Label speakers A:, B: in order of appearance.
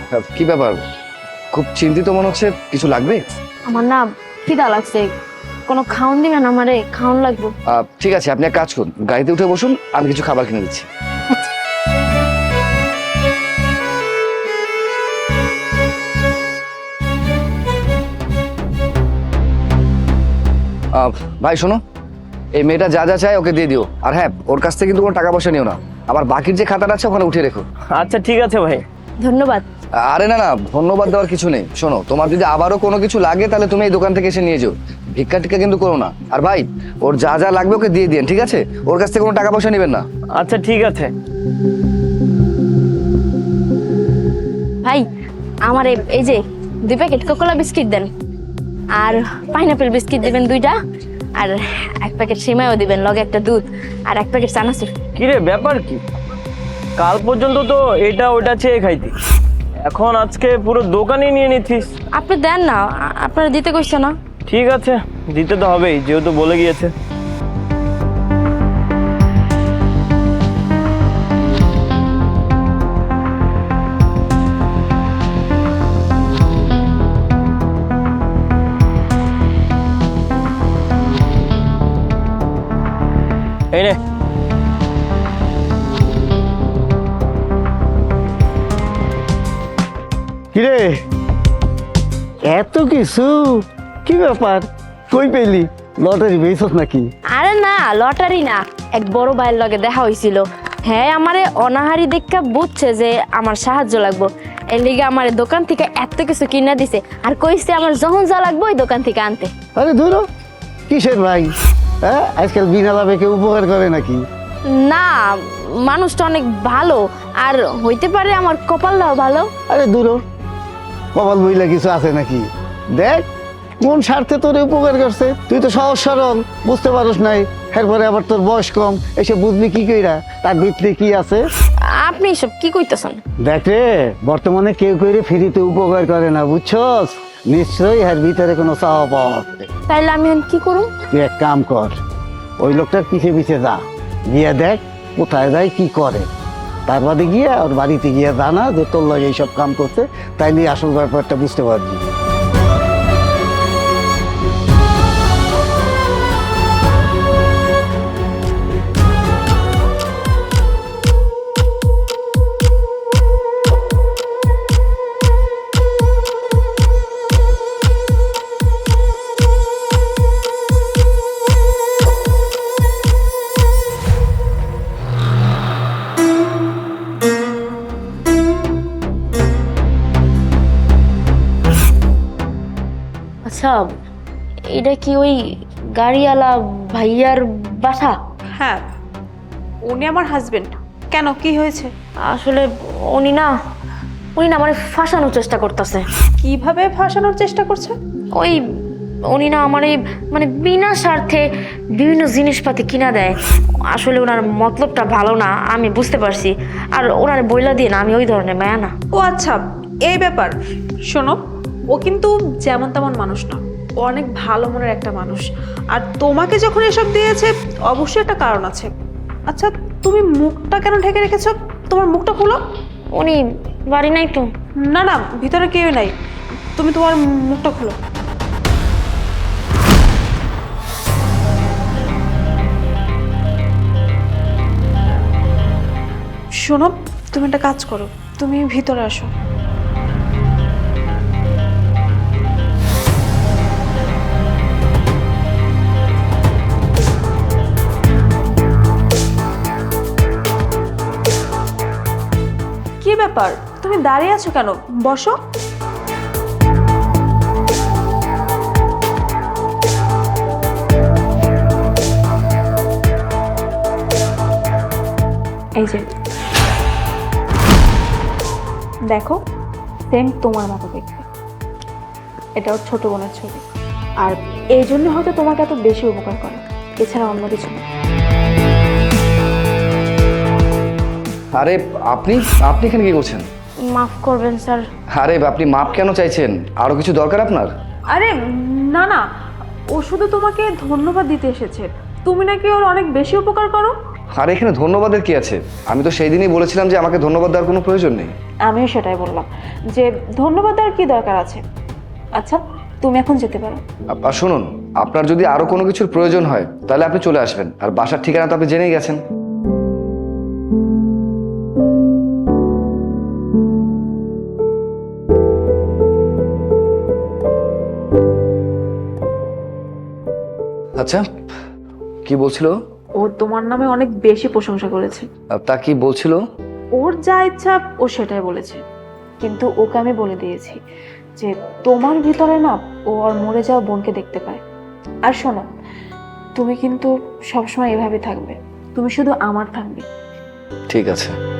A: কি ব্যাপার, খুব চিন্তিত মনে হচ্ছে, কিছু লাগবে?
B: আমার না খিদা লাগছে, কোনো খাওন দিবেন আমারে? খাওন লাগবে।
A: ঠিক আছে, আপনি এক কাজ করুন, গাড়িতে উঠে বসুন, আমি কিছু খাবার কিনে দিচ্ছি। ভাই শোনো, এই মেয়েটা যা যা চায় ওকে দিয়ে দিও, আর হ্যাঁ ওর কাছ থেকে কিন্তু কোনো টাকা পয়সা নিও না, আবার বাকির যে খাতাটা আছে ওখানে উঠিয়ে রেখো।
C: আচ্ছা ঠিক আছে ভাই।
B: ধন্যবাদ।
A: আরে না না, ধন্যবাদ দেওয়ার কিছু নেই। শোনো, তোমার যদি আবারও কোনো কিছু লাগে তাহলে তুমি এই দোকান থেকে এসে নিয়ে যাও, ভিক্ষা টিক্ষা কিন্তু করো না। আর ভাই, ওর যা যা লাগবে ওকে দিয়ে দিন, ঠিক আছে? ওর কাছ থেকে কোনো টাকা পয়সা নেবেন না।
C: আচ্ছা ঠিক আছে।
B: ভাই আমার এই যে 2 প্যাকেট কোকোলা বিস্কিট দেন, আর পাইনাপেল বিস্কিট দিবেন 2টা, আর 1 প্যাকেট সিমাইও দিবেন, লগে একটা দুধ, আর 1 প্যাকেট চানাচুর।
C: কি রে, ব্যাপার কি? কাল পর্যন্ত তো এটা ওটা চেয়ে খাইতি, এখন আজকে পুরো দোকানই নিয়ে নিচ্ছিস।
B: আপনি দেন না, আপনারা দিতে কইছে না।
C: ঠিক আছে, দিতে তো হবেই, যেহেতু বলে গিয়েছে। এই নে।
D: কিরে, এত কিছু? কি ব্যাপার, কই পেলি? লটারি পেয়েছস নাকি?
B: আরে না, লটারি না, এক বড় ভাইয়ের লগে দেখা হইছিল। হ্যাঁ, আমারে অনাহারি দেখা বুঝছে যে আমার সাহায্য লাগবো, এর লিগে আমার দোকান থেকে এত কিছু কিনা দিছে, আর কইছে আমার যখন যা লাগবে ওই দোকান থেকে আনতে।
D: আরে ধরো, কিসের ভাই? হ্যাঁ, আজকাল বিনা লাভে কেউ উপকার করে নাকি?
B: না, মানুষটা অনেক ভালো, আর হইতে পারে আমার কপালটাও ভালো।
D: আরে দূরো, কপাল বইলা কিছু আছে নাকি? দেখ কোন স্বার্থে তোর উপকার করছে। তুই তো সহজ সরল, বুঝতে পারস নাই, এরপরে আবার তোর বয়স কম, এসে বুঝবি কি কইরা তার ভিতরে কি আছে।
B: আপনি সব কি কইতেছেন?
D: দেখ রে, বর্তমানে কেউ কইরে ফ্রিতে উপকার করে না, বুঝছস? নিশ্চয়ই এর ভিতরে কোনো চাওয়া পাওয়া আছে।
B: তাইলে আমি এখন কি করব?
D: তুই এক কাম কর, ওই লোকটার পিছে পিছে যা, গিয়ে দেখ কোথায় যায় কি করে, তার বাদে গিয়ে ওর বাড়িতে গিয়ে জানা যে তোর লাগে এইসব কাম করছে, তাইলে আসল ব্যাপারটা বুঝতে পারবি।
B: আচ্ছা, এটা কি ওই গাড়িওয়ালা ভাইয়ার বাসা?
E: হ্যাঁ, উনি আমার হাজবেন্ড। কেন, কি হয়েছে?
B: আসলে উনি না আমার ফাঁসানোর চেষ্টা করতেছে।
E: কিভাবে ফাঁসানোর চেষ্টা করছে?
B: ওই উনি না আমার মানে বিনা স্বার্থে বিভিন্ন জিনিসপাতি কিনা দেয়। আসলে ওনার মতলবটা ভালো না, আমি বুঝতে পারছি, আর ওনার বইলা দিয়ে না আমি ওই ধরনের মায়া না।
E: ও আচ্ছা, এই ব্যাপার। শোনো, ও কিন্তু যেমন তেমন মানুষ না, ও অনেক ভালো মনের একটা মানুষ। আর তোমাকে যখন এসব দিয়েছে অবশ্যই একটা কারণ আছে। আচ্ছা, তুমি মুখটা কেন ঢেকে রেখেছো? তোমার মুখটা খুলো।
B: উনি বাড়ি নাই তো?
E: না না, ভিতরে কেউ নাই, তুমি তোমার মুখটা খুলো। শোনো, তুমি একটা কাজ করো, তুমি ভিতরে আসো। কি ব্যাপার, তুমি দাঁড়িয়ে আছো কেন? বসো। এই যে দেখো, সেম তোমার মতো দেখতে। এটা ওর ছোট বোনের ছবি, আর এই জন্য হয়তো তোমাকে এত বেশি উপকার করে, এছাড়া অন্য কিছু না।
A: আরে আপনি আপনি এখানে কি করছেন?
B: মাফ করবেন স্যার।
A: আরে আপনি মাপ কেন চাইছেন? আরো কিছু দরকার আপনার?
E: আরে না না, ও শুধু তোমাকে ধন্যবাদ দিতে এসেছে। তুমি নাকি ওর অনেক বেশি উপকার করো।
A: আর এখানে ধন্যবাদের কি আছে? আমি তো সেই দিনই বলেছিলাম যে আমাকে ধন্যবাদ দেওয়ার কোনো প্রয়োজন নেই।
E: আমিও সেটাই বললাম যে ধন্যবাদ আর কি দরকার আছে। আচ্ছা, তুমি এখন যেতে পারো।
A: আর শুনুন, আপনার যদি আরো কোনো কিছুর প্রয়োজন হয় তাহলে আপনি চলে আসবেন। আর বাসার ঠিকানা তো আপনি জেনেই গেছেন। আচ্ছা, কি বলছিল?
E: ও তোমার নামে অনেক বেশি প্রশংসা করেছে।
A: তা কি বলছিল?
E: ওর যা ইচ্ছা ও সেটাই বলেছে, কিন্তু ওকে আমি বলে দিয়েছি যে তোমার ভিতরে না ও আর মরে যাওয়া বোনকে দেখতে পায়। আর শোনো, তুমি কিন্তু সবসময় এভাবে থাকবে, তুমি শুধু আমার থাকবে।
A: ঠিক আছে।